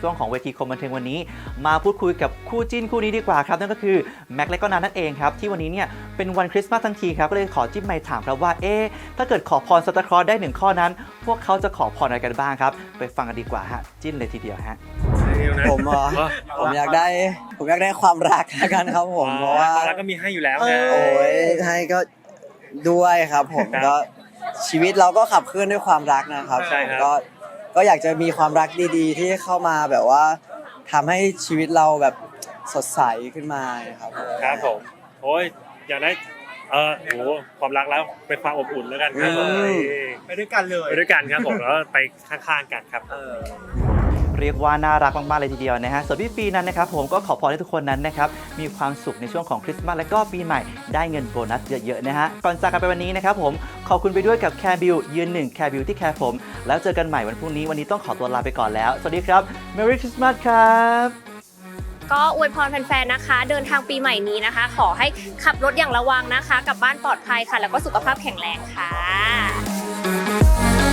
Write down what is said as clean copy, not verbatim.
ช่วงของเวทีคมบันเทิงวันนี้มาพูดคุยกับคู่จิ้นคู่นี้ดีกว่าครับนั่นก็คือแม็กและก็นันนั่นเองครับที่วันนี้เนี่ยเป็นวันคริสต์มาสทั้งทีครับก็เลยขอจิ้มไมค์ถามครับว่าถ้าเกิดขอพรซานตาคลอสได้1ข้อนั้นพวกเขาจะขอพรอะไรกันบ้างครับไปฟังกันดีกว่าฮะจิ้นเลยทีเดียวฮะผมอยากได้ความรักละกันครับผมเพราะว่าความรักก็มีให้อยู่แล้วไงโอ้ยให้ก็ด้วยครับผมก็ชีวิตเราก็ขับเคลื่อนด้วยความรักนะครับใช่ครับก็อยากจะมีความรักดีๆ ที่เข้ามาแบบว่าทำให้ชีวิตเราแบบสดใสขึ้นมาครับครับผมโอ้ยอยากได้ความรักแล้วเป็นความอบอุ่นแล้วกันครับผมไปด้วยกันเลยไปด้วยกันครับผมแล้วไปข้างๆกันครับเรียกว่าน่ารักมากๆเลยทีเดียวนะฮะส่วนพี่ปีนั้นนะครับผมก็ขอพรให้ทุกคนนั้นนะครับมีความสุขในช่วงของคริสต์มาสและก็ปีใหม่ได้เงินโบนัสเยอะๆนะฮะก่อนจากกันไปวันนี้นะครับผมขอบคุณไปด้วยกับแคร์บิวยืนหนึ่งแคร์บิวที่แคร์ผมแล้วเจอกันใหม่วันพรุ่งนี้วันนี้ต้องขอตัวลาไปก่อนแล้วสวัสดีครับ Merry Christmas ครับก็อวยพรแฟนๆนะคะเดินทางปีใหม่นี้นะคะ ขอให้ขับรถอย่างระวังนะคะกลับบ้านปลอดภัยค่ะแล้วก็สุขภาพแข็งแรงค่ะ